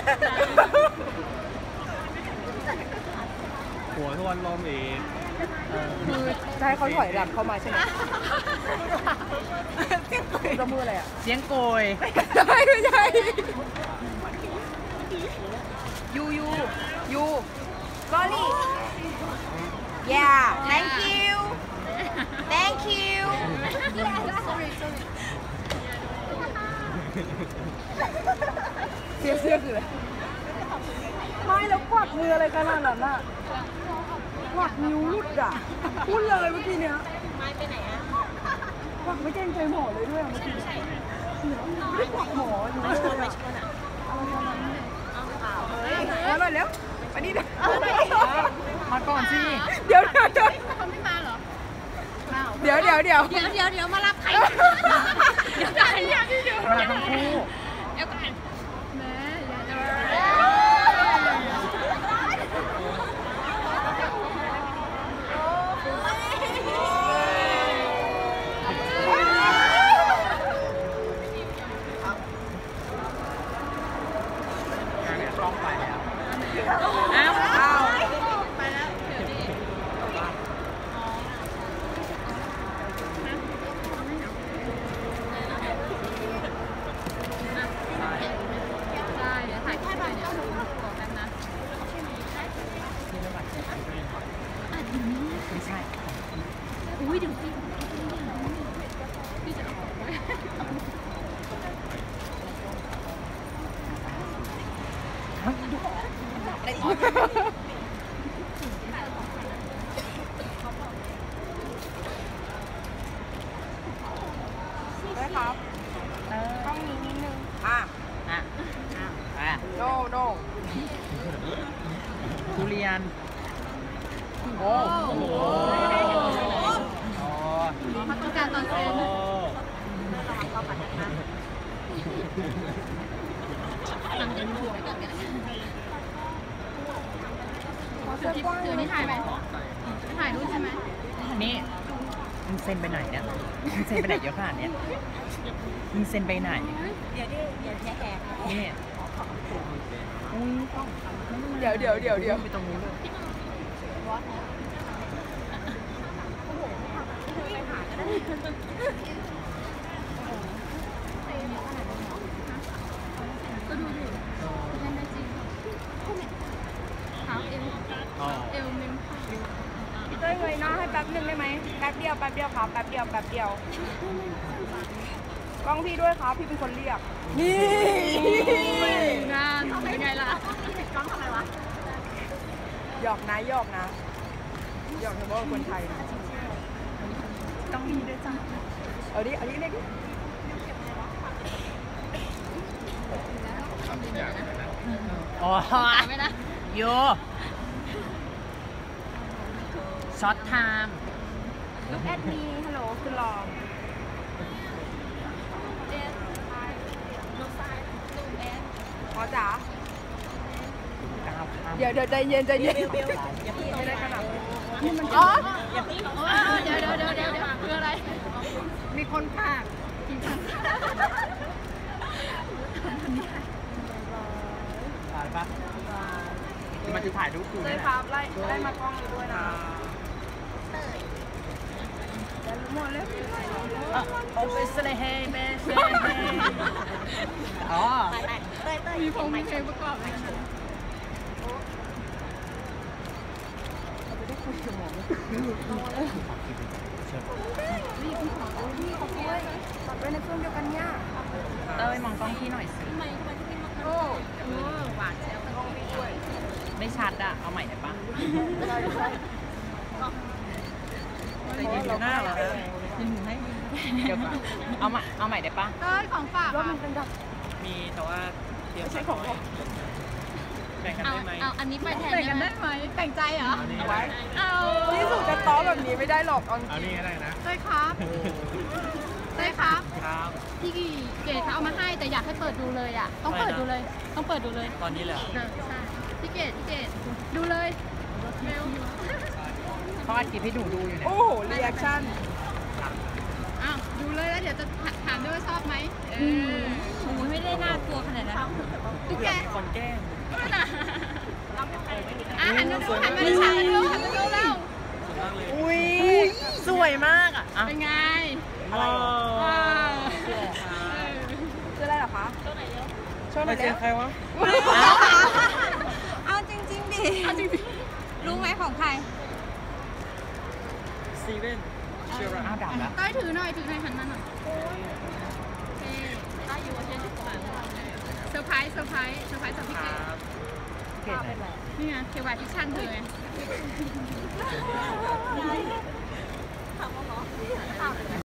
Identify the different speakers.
Speaker 1: หัวทวนลมอีก
Speaker 2: คือจะให้เขาถอยหลังเข้ามาใช่ไหมจะมืออะไรอ่ะ
Speaker 3: เสียงโกย
Speaker 2: ไม่ใช่ยูsorry yeah thank youเสื้อคืออะไรไม่แล้วกวักมืออะไรขนาดนั้นอ่ะกวักนิ้วรุดอ่ะพูดเลยเมื่อกี้เนี้ยไม้ไปไหนอ่ะกวักไม่เกรงใจหมอเลยด้วยเมื่อกี้ไม่ได้กวักหมออยู่เลยอ่ะเอาเลยเร็วมาดิ
Speaker 3: มาก่อนสิ
Speaker 2: เดี๋ยว
Speaker 4: คนไม่มาเหรอ
Speaker 2: เดี๋ยว
Speaker 4: มารับใครเดี๋ยว
Speaker 3: มาทั้งคู่
Speaker 4: เดี๋ยวก่อนแม่
Speaker 3: ต้องไปแล้ว
Speaker 4: อ้าวไปแล้วเดี๋ยวดีได้เดี๋ยวถ่ายแค่หน่อยเดี๋ยวขอแป๊บนะ
Speaker 3: ไม่ใช่
Speaker 4: อุ้ยเดี๋ยวสิพี่จะเอาออกไหม
Speaker 2: ได้ครับต้องมีนิดนึงโน
Speaker 3: ทุเรียน
Speaker 2: โอ้โห
Speaker 4: เขาต้องการตอนเซ็นหลังจากนี้ไว้ก่อนกันเดี๋ยวนี้ถ่ายไหมถ่ายรูปใช่ไหม
Speaker 3: นี่มึงเซ็นไปไหนเนี่ยมึงเซ็นไปไหนเยอะขนาดเนี้ยมึงเซ็นไปไหน
Speaker 4: เดี๋ยวแหก
Speaker 3: นี่
Speaker 2: เดี๋ยว
Speaker 3: ไปตรงนู้นเลย
Speaker 4: ก็ดูดิเล่นได้จริงเท้าเอวเมม
Speaker 2: พี่เต้ยเงยหน้าให้แป๊บนึงได้ไหมแป๊บเดียวครับแป๊บเดียวกล้องพี่ด้วยครับพี่เป็นคนเรียกนี่
Speaker 4: งานเป็นไงล่ะติดกล้องทำไมวะ
Speaker 2: หยอกนะหยอกเฉพาะคนไทย
Speaker 4: ต้องมีด้วยจ้ะ
Speaker 2: เอาดิเล็ก
Speaker 3: อ๋อ
Speaker 4: ไม่นะ
Speaker 3: โยช็อตไทม์
Speaker 2: Look at me ฮัลโหลคือลองพอจ๋าเดี๋ยวใจเย็นไม่ได้ขนาดนี้มันอ๋อ
Speaker 4: เดี๋ยวคืออะไร
Speaker 2: มีคนพาก
Speaker 3: ถ่ายปะมันจะถ่ายรูปกู
Speaker 2: เลยครับไล่มากล้องด้วยนะหมดแล้ว
Speaker 3: โอเปสเลเฮเบสอ๋อ
Speaker 4: มีเพลงประกอบไหม
Speaker 2: นี่คุณขอพี่เขาด้วยตัดไว้ในเครื่องเดียวกันเนี่ย
Speaker 3: เต้ยมองกล้องพี่หน่อยสิ
Speaker 2: โอ้
Speaker 4: หวานเชียว
Speaker 2: กล้องพี่ด้วย
Speaker 3: ไม่ชัดอะเอาใหม่ได้ปะแต่ยืนอยู่หน้าเหรอยืนอยู่ให้เดี๋ยวเอาใหม่ได้ปะ
Speaker 4: เต้ยของฝาก
Speaker 1: มีแต่ว่าเตรียมใช้ของแบ่งกันได้ไหม
Speaker 4: เอาอันนี้ไปแทนกันได้ไหมแต่งใจเหรอ
Speaker 2: ไว้
Speaker 4: เอา
Speaker 2: ที่สุดจะต้อแบบนี้ไม่ได้หรอก
Speaker 1: เอานี่ก็ได้นะ
Speaker 4: เต้ยครับพี่เกดเขาเอามาให้แต่อยากให้เปิดดูเลยอ่ะต้องเปิดดูเลย
Speaker 1: ตอนนี้เลย
Speaker 4: ใช่พี่เกดดูเลยเร็ว
Speaker 3: เขาอัดคลิปให้หนูดูอยู่เนี่ย
Speaker 2: โอ้โหรีแอคชั่น
Speaker 4: อ้าวดูเลยแล้วเดี๋ยวจะถามด้วยว่าชอบไหมโอ้ไม่ได้น่ากลัวขนาดนั้นตุ๊กแก
Speaker 1: มีคนแกล้ง
Speaker 4: หันมาดูแล้ว
Speaker 1: สวยมากเลย
Speaker 3: อุ้ยสวยมากอ่ะ
Speaker 4: เป็นไง
Speaker 1: อะไร
Speaker 2: คืออะไรเหรอคะช่วยห
Speaker 1: ไป
Speaker 2: น่อย
Speaker 1: เจ
Speaker 2: เร็
Speaker 1: อ
Speaker 2: ว
Speaker 1: ใครวะ
Speaker 4: เอาจริงๆดิเอาจริงๆรู้ไหมของใคร
Speaker 1: ซีเว่นเชียร์
Speaker 3: อ้าวดับแล้ว
Speaker 4: ต้อยถือหน่อยหันมาหน่อยเซอร์ไพรส์จากพี่เก๋
Speaker 3: เก่งเลย
Speaker 4: นี่ไงเทวาพิชชั่นเธอไง